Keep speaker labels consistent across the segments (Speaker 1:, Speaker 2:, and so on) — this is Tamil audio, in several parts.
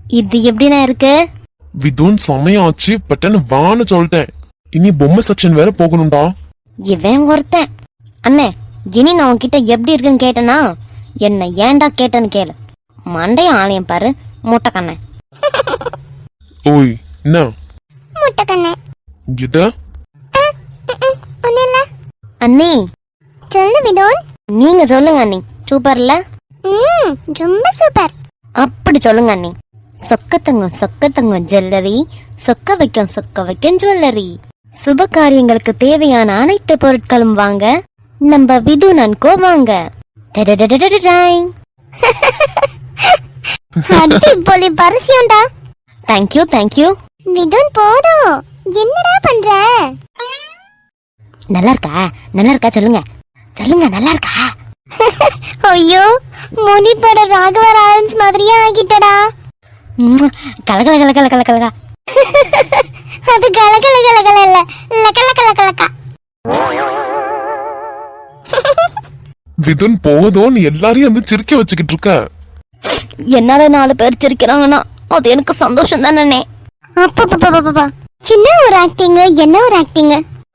Speaker 1: இது எப்படின்னா இருக்கு?
Speaker 2: விதுன் சமயாச்சு பட்டன் வான்னு சொல்லிட்டேன். இனி பொம்மை செக்ஷன் வேற போகணும்டா.
Speaker 1: இவன் ஒருத்தன். அண்ணே, இனி நான் உன்கிட்ட எப்படி இருக்குன்னு கேட்டனா என்ன ஏன்டா கேட்டன்னு கேளு. மண்டைய ஆலயம் பாரு முட்டைக்கண்ண.
Speaker 2: ஓய் என்ன
Speaker 3: முட்டைக்கண்ண?
Speaker 2: இது
Speaker 3: ஒண்ணுல்ல
Speaker 1: அண்ணி.
Speaker 3: சொல்லு விதோன்.
Speaker 1: நீங்க சொல்லுங்க அண்ணி. சூப்பர்ல?
Speaker 3: ரொம்ப சூப்பர்.
Speaker 1: அப்படி சொல்லுங்க அண்ணி. சொக்கத்தங்கம் ஜுவல்லரி, சொக்க வைக்கும் ஜுவல்லரி. சுப காரியங்களுக்கு தேவையான அனைத்து பொருட்களும் வாங்க நம்ம விதுன் அண்ட் கோ வாங்க.
Speaker 3: அடிப்பொலி பரிசியம்டா.
Speaker 1: தேங்க்யூ.
Speaker 3: விதுன் போதும். என்னடா பண்ற?
Speaker 1: நல்லா இருக்கா சொல்லுங்க நல்லா இருக்கா?
Speaker 3: ஐயோ, முனிப்பட ராகவ லாரன்ஸ் மாதிரியே ஆகிட்டடா.
Speaker 1: கலகல.
Speaker 3: அது கலகல இல்ல, லகலகலகலகா.
Speaker 2: விதுன் போதும், எல்லாரையும் வந்து சிரிக்க வச்சுக்கிட்டு இருக்க.
Speaker 1: என்னால 4 பேர் சிரிக்கிறாங்கன்னா அது எனக்கு சந்தோஷம் தானே.
Speaker 3: அப்பா சின்ன ஒரு ஆக்டிங், என்ன ஒரு ஆக்டிங்.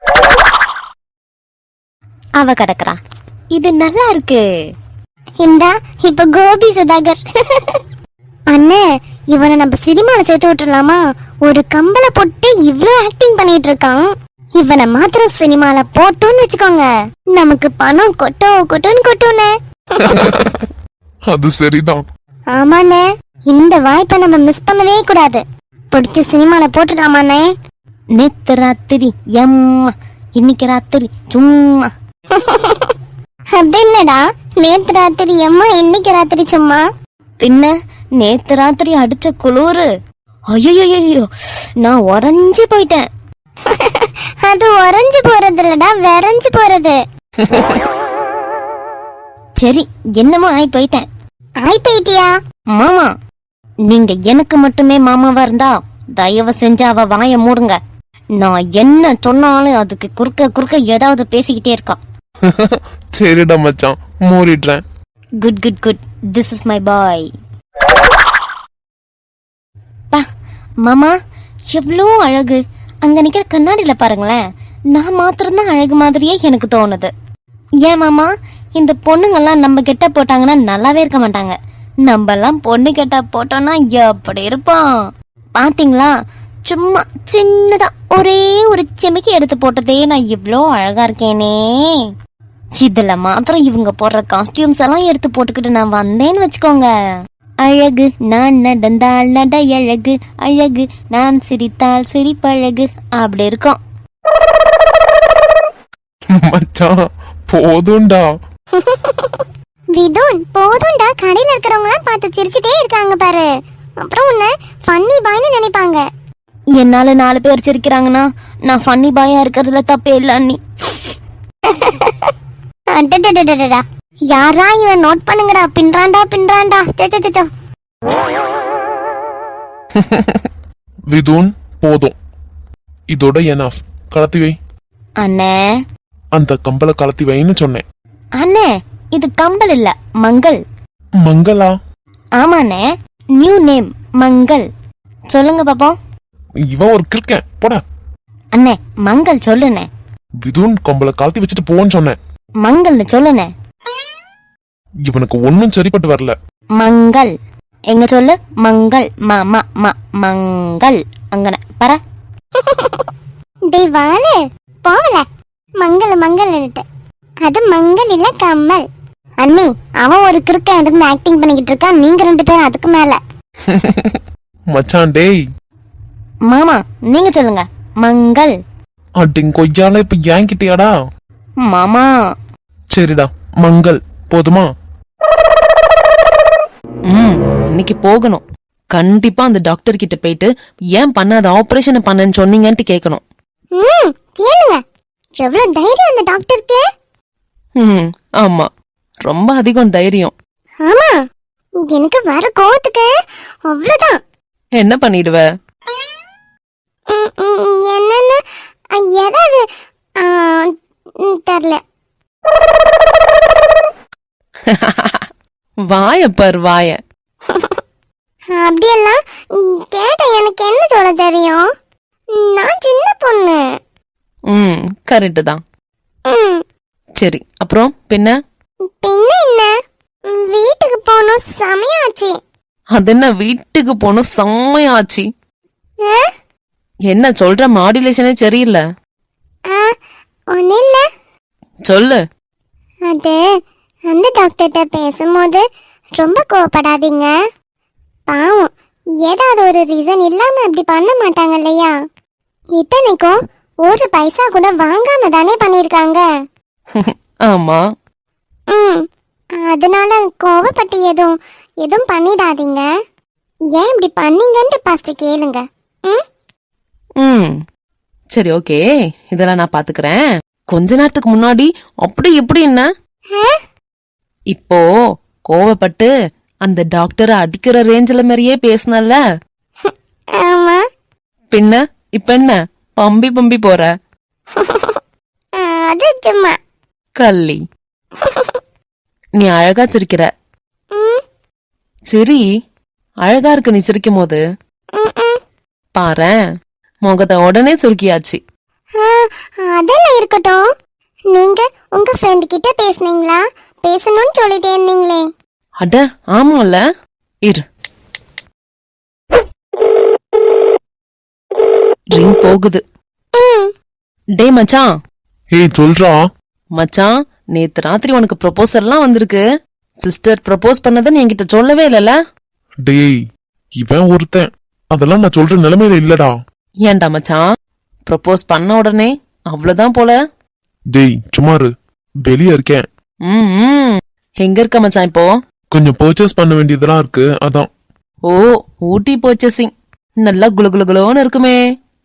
Speaker 1: அவ கிடக்குறா. இது நல்லா இருக்கு.
Speaker 3: இந்தா இப்ப கோபி சுதாகர். அண்ணே, இவனை நம்ம சினிமால சேர்த்து விட்டுலாமா? ஒரு கம்பளை போட்டு இவ்ளோ ஆக்டிங் பண்ணிட்டு இருக்கான். இவனை மாத்திரம் சினிமால போட்டோன்னு வச்சுக்கோங்க, நமக்கு பணம் கொட்டோன்னு.
Speaker 2: அது சரிதான்.
Speaker 3: ஆமாண்ணே, இந்த வாய்ப்பை நம்ம மிஸ் பண்ணவே கூடாது. பிடிச்ச சினிமால போட்டுடலாமாண்ணே?
Speaker 1: நேத்து ராத்திரி எம்மா, இன்னைக்கு ராத்திரி சும்மா.
Speaker 3: அது என்னடா நேத்து ராத்திரி எம்மா இன்னைக்கு ராத்திரி சும்மா?
Speaker 1: பின்ன நேத்து ராத்திரி அடிச்ச குளிரு, ஐயோ நான் உறைஞ்சு போயிட்டேன்.
Speaker 3: அது உறைஞ்சு போறது இல்லடா, விரைஞ்சு போறது.
Speaker 1: சரி, என்னமோ ஆயி போயிட்டேன்.
Speaker 3: ஆய் போயிட்டியா?
Speaker 1: மாமா, நீங்க எனக்கு மட்டுமே மாமாவா இருந்தா தயவு செஞ்சு அவ வாய மூடுங்க. நான் என்ன சொன்னாலும் அதுக்கு குறுக்க ஏதாவது பேசிக்கிட்டே இருக்கா.
Speaker 2: சரிடா மச்சான், மூடிடுறேன்.
Speaker 1: Good. This is my boy. மாமா எவ்வளோ அழகு. அங்க நிக்கிற கண்ணாடியில பாருங்களேன், நான் மாத்திரம்தான் அழகு மாதிரியே எனக்கு தோணுது. ஏன் மாமா, இந்த பொண்ணுங்கெல்லாம் நம்ம கெட்ட போட்டாங்கன்னா நல்லாவே இருக்க மாட்டாங்க. நம்ம எல்லாம் பொண்ணு கெட்ட போட்டோம்னா எப்படி இருப்போம் பாத்தீங்களா? சும்மா சின்னதா ஒரே ஒரு செமிக்கி எடுத்து போட்டதே நான் இவ்வளோ அழகா இருக்கேனே. இதுல மாத்திரம் இவங்க போடுற காஸ்டியூம்ஸ் எல்லாம் எடுத்து போட்டுக்கிட்டு நான் வந்தேன்னு வச்சுக்கோங்க, அழகு நான் நடந்தால் நடை அழகு நான் சிரித்தால் சிரிப்பழகு அப்படி இருக்கும்.
Speaker 2: மச்சான் போதும்டா.
Speaker 3: விதுன் போதும்டா. கடையில இருக்கிறவங்க எல்லாம் பார்த்து சிரிச்சிட்டே இருக்காங்க பாரு. அப்புறம் உன்னை ஃபன்னி பாய்னு நினைப்பாங்க.
Speaker 1: என்னால 4 பேர் சிரிக்கிறாங்கன்னா நான் ஃபன்னி பாயா இருக்கிறதுல தப்பே இல்ல அண்ணி.
Speaker 3: அடடடடடடா, யாரா இவன்? நோட் பண்ணுங்கடா. பின்றாண்டா. சச்சச்சோ.
Speaker 2: விதுன் போதும், இதோட எனாஃப். கலத்தி வை
Speaker 1: அண்ணே.
Speaker 2: அந்த கம்பளை கலத்தி வைன்னு சொன்னேன்.
Speaker 1: அண்ணே, இது கம்பல் இல்ல, மங்கள்.
Speaker 2: மங்களா?
Speaker 1: ஆமாண்ணே, நியூ நேம் மங்கள். சொல்லுங்க பாப்போம்.
Speaker 2: இவன் ஒரு கிறுக்கன், போடா.
Speaker 1: அண்ணே, மங்கள் சொல்லுண்ணே.
Speaker 2: விதுன் கம்பளை கலத்தி வச்சுட்டு போன்னு சொன்னேன்.
Speaker 1: மங்கள்னு சொல்லுண்ணே.
Speaker 2: இவனுக்கு ஒன்னும் சரிப்பட்டு வரல.
Speaker 1: மங்கள் எங்க சொல்லு? மங்கள் மங்கள் அங்கன பர.
Speaker 3: டேய் வாளே, போவல. மங்கல்னுட்டு அது மங்கள் இல்ல, கம்மல். அண்ணி, அவன் ஒரு கிறுக்கன் இருந்து ஆக்டிங் பண்ணிக்கிட்டு இருக்கான். நீங்க 2 பேரும் அதுக்கு மேல.
Speaker 2: மச்சான் டேய்.
Speaker 1: மாமா நீங்க சொல்லுங்க. மங்கள்.
Speaker 2: அடிங் கொய்யால இப்ப ஏங்கிட்டியாடா?
Speaker 1: மாமா
Speaker 2: சரிடா, மங்கள் போதுமா?
Speaker 4: இன்னைக்கு போகணும். கண்டிப்பா அந்த டாக்டர் கிட்ட போயிட்டு ஏன் பண்ணாத ஆபரேஷன் பண்ணன்னு சொன்னீங்கன்னு கேட்கணும்.
Speaker 3: கேளுங்க. எவ்வளவு தைரியம் அந்த டாக்டருக்கு.
Speaker 4: ஆமா, ரொம்ப அதிகம் தைரியம்.
Speaker 3: ஆமா, எனக்கு வர கோவத்துக்கு அவ்வளவுதான்.
Speaker 4: என்ன பண்ணிடுவ?
Speaker 3: என்னன்னு ஏதாவது தெரியல.
Speaker 4: வாய பார் வாய.
Speaker 3: அப்படியெல்லாம் கேட்ட எனக்கு என்ன சொல்ல தெரியும்? நான் சின்ன பொண்ணு.
Speaker 4: கரெக்டு தான்.
Speaker 3: ம்,
Speaker 4: சரி, அப்புறம் பின்ன
Speaker 3: பின்ன என்ன? வீட்டுக்கு போகணும், சமையாச்சு.
Speaker 4: அது என்ன வீட்டுக்கு போகணும் செம்மையாச்சு?
Speaker 3: ஆ?
Speaker 4: என்ன சொல்ற, மாடுலேஷனே சரியில்லை.
Speaker 3: ஆ, ஒன்றும் இல்லை.
Speaker 4: சொல்லு.
Speaker 3: அது அந்த டாக்டர்கிட்ட பேசும்போது ரொம்ப கோவப்படாதீங்க. பாவம், ஏதாவது ஒரு ரீசன் இல்லாம இப்படி பண்ண மாட்டாங்க இல்லையா? இத்தனைக்கும் ஒரு பைசா கூட வாங்காம தானே பண்ணிருக்காங்க.
Speaker 4: ஆமா.
Speaker 3: ம், அதனால கோவப்பட்டு எதுவும் பண்ணிடாதீங்க. ஏன் இப்படி பண்ணீங்கன்ட்டு ஃபர்ஸ்ட் கேளுங்க. ம்,
Speaker 4: ம் சரி, ஓகே, இதெல்லாம் நான் பாத்துக்கிறேன். கொஞ்ச நேரத்துக்கு முன்னாடி அப்படி இப்படி என்ன, இப்போ கோவப்பட்டு அந்த டாக்டரை அடிக்கிற ரேஞ்சில மாதிரியே பேசினல்ல.
Speaker 3: ஆமா.
Speaker 4: பின்ன இப்ப என்ன பம்பி பம்பி போற?
Speaker 3: அது சும்மா.
Speaker 4: கள்ளி, நீ அழகா சிரிக்கிற.
Speaker 3: ம்,
Speaker 4: சரி, அழகா இருக்கு நீ சிரிக்கும் போது.
Speaker 3: ம், ம்.
Speaker 4: பாரேன், முகத்தை உடனே சுருக்கியாச்சு.
Speaker 3: ஆ, அதெல்லாம் இருக்கட்டும். நீங்க உங்க ஃப்ரெண்ட் கிட்ட பேசுனீங்களா? பேசணும்னு சொல்லிட்டே இருந்தீங்களே.
Speaker 4: அட ஆமால, இரு. ரிங் போகுது.
Speaker 3: ம்,
Speaker 4: டே மச்சான்.
Speaker 2: ஏய் சொல்றா.
Speaker 4: மச்சான், நேத்து ராத்திரி உனக்கு ப்ரொபோசல்லாம் வந்திருக்கு. சிஸ்டர் ப்ரொபோஸ் பண்ணதை நீ என்கிட்ட சொல்லவே இல்லல.
Speaker 2: டேய், இவன் ஒருத்தன் அதெல்லாம் நான் சொல்ற நிலைமையில இல்லடா.
Speaker 4: ஏன்டா மச்சான், ப்ரொபோஸ் பண்ண உடனே அவ்வளவுதான் போல?
Speaker 2: டேய் சும்மாரு, வெளியே இருக்கேன்.
Speaker 4: ம் எங்க இருக்க மச்சான் இப்போ?
Speaker 2: கொஞ்சம் பர்ச்சேஸ் பண்ண வேண்டியதெல்லாம் இருக்கு, அதான்.
Speaker 4: ஓ, ஊட்டி பர்ச்சேசிங். நல்லா குளு குளு குளுன்னு இருக்குமே.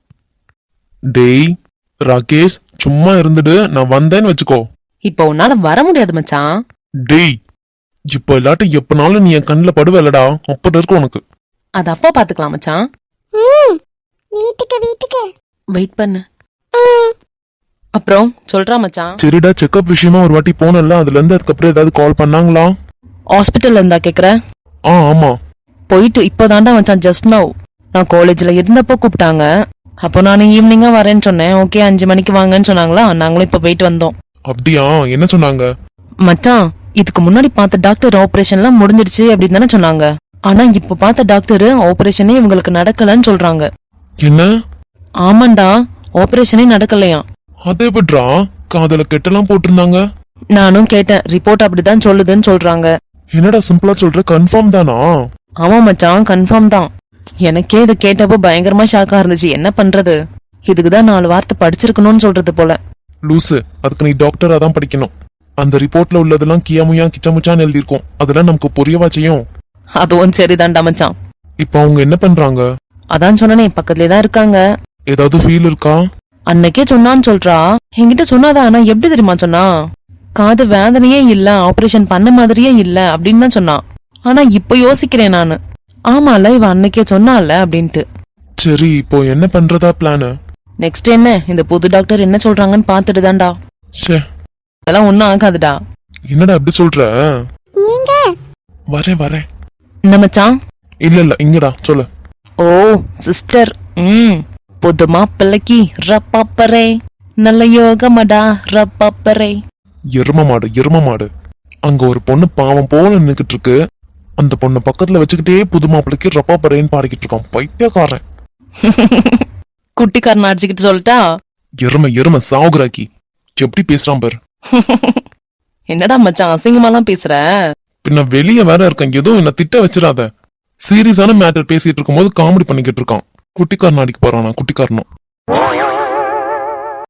Speaker 2: டேய் ராகேஷ், சும்மா இருந்துட்டு நான் வந்தேன்னு வச்சுக்கோ.
Speaker 4: இப்போ உன்னால வர முடியாது மச்சான்.
Speaker 2: டேய், இப்ப இல்லாட்டி எப்பனாலும் நீ என் கண்ணுல படுவலடா, அப்படி இருக்கு உனக்கு.
Speaker 4: அது அப்போ பாத்துக்கலாம் மச்சான்.
Speaker 3: ம். வீட்டுக்கு.
Speaker 4: வெயிட் பண்ணு.
Speaker 3: ம்,
Speaker 4: அப்புறம் சொல்றா மச்சான்.
Speaker 2: சரிடா, செக்அப் விஷயமா ஒரு வாட்டி போனல, அதுல இருந்து அதுக்கப்புறம் ஏதாவது கால் பண்ணாங்களா?
Speaker 4: ஹாஸ்பிட்டல்ல இருந்தா கேக்குற?
Speaker 2: ஆமா.
Speaker 4: போயிட்டு இப்போதான்டா மச்சான், ஜஸ்ட் நவ். நான் காலேஜ்ல இருந்தப்போ கூப்பிட்டாங்க. அப்போ நான் ஈவினிங்கா வரேன்னு சொன்னேன். ஓகே 5 மணிக்கு வாங்கன்னு சொன்னாங்களா, நாங்களும் இப்ப போயிட்டு வந்தோம்.
Speaker 2: அப்படியா, என்ன சொன்னாங்க?
Speaker 4: மச்சான், இதுக்கு முன்னாடி பார்த்த டாக்டர் ஆபரேஷன்லாம் முடிஞ்சிடுச்சு அப்படின்னு தானே சொன்னாங்க. ஆனா இப்ப பார்த்த டாக்டர் ஆபரேஷனே இவங்களுக்கு நடக்கலன்னு சொல்றாங்க.
Speaker 2: என்ன?
Speaker 4: ஆமாண்டா, ஆபரேஷனே நடக்கலையா.
Speaker 2: அதே எப்படிடா, காதல கெட்டெல்லாம் போட்டிருந்தாங்க.
Speaker 4: நானும் கேட்டேன், ரிப்போர்ட் அப்படிதான் சொல்லுதுன்னு சொல்றாங்க.
Speaker 2: என்னடா சிம்பிளா சொல்ற, கன்ஃபார்ம் தானா?
Speaker 4: ஆமா மச்சான், கன்ஃபார்ம் தான். எனக்கே இதை கேட்டப்போ பயங்கரமா ஷாக்கா இருந்துச்சு. என்ன பண்றது, இதுக்குதான் 4 வார்த்தை படிச்சிருக்கணும்னு சொல்றது போல.
Speaker 2: லூசு, அதுக்கு நீ டாக்டரா தான் படிக்கணும். அந்த ரிப்போர்ட்ல உள்ளதெல்லாம் கியாமுயா கிச்சமுச்சான்னு எழுதிருக்கும், அதெல்லாம் நமக்கு புரியவா செய்யும்.
Speaker 4: அதுவும் சரிதான்டா மச்சான்.
Speaker 2: இப்ப அவங்க என்ன பண்றாங்க?
Speaker 4: அதான் சொன்னனே, பக்கத்துலயே தான் இருக்காங்க.
Speaker 2: ஏதாவது ஃபீல் இருக்கா?
Speaker 4: அன்னைக்கே சொன்னான்னு சொல்றா. என்கிட்ட சொன்னாதான், ஆனா எப்படி தெரியுமா சொன்னா? காது வேதனையே இல்ல, ஆபரேஷன் பண்ண மாதிரியே இல்ல அப்படின்னு தான் சொன்னான். ஆனா இப்ப யோசிக்கிறேன் நானு, ஆமால இவ அன்னைக்கே சொன்னால அப்படின்ட்டு.
Speaker 2: சரி, இப்போ என்ன பண்றதா பிளான்?
Speaker 4: நெக்ஸ்ட் என்ன, இந்த புது டாக்டர் என்ன சொல்றாங்கன்னு பாத்துட்டு தான்டா.
Speaker 2: ச்சே,
Speaker 4: அதெல்லாம் ஒன்னும் ஆகாதுடா.
Speaker 2: என்னடா அப்படி சொல்ற?
Speaker 3: நீங்க
Speaker 2: வரேன்.
Speaker 4: என்ன மச்சான்?
Speaker 2: இல்ல இங்கடா, சொல்லு.
Speaker 4: ஓ சிஸ்டர், புது மாப்பிள்ளைக்கு ரப்பாப்பரே, நல்ல யோகமடா ரப்பாப்பரே.
Speaker 2: எரும மாடு. அங்க ஒரு பொண்ணு பாவம் போல நின்னுக்கிட்டு இருக்கு. அந்த பொண்ணு பக்கத்துல வச்சுக்கிட்டே புது மாப்பிள்ளைக்கு ரப்பா பறையன்னு பாடிக்கிட்டு இருக்கான், பைத்தியக்காரன்.
Speaker 4: குட்டிக்காரன் அடிச்சுக்கிட்டு சொல்லிட்டா.
Speaker 2: எரும சாவுகிறாக்கி, எப்படி பேசுறான் பாரு.
Speaker 4: என்னடா மச்சான், அசிங்கமாலாம் பேசுற?
Speaker 2: பின்ன வெளியே வேற இருக்கேன், எதுவும் என்ன திட்ட வச்சிடாத. சீரியஸான மேட்டர் பேசிட்டு இருக்கும் போது காமெடி பண்ணிக்கிட்டு இருக்கான். குட்டிக்காரன் அடிக்க போறானா, குட்டிக்காரனும்.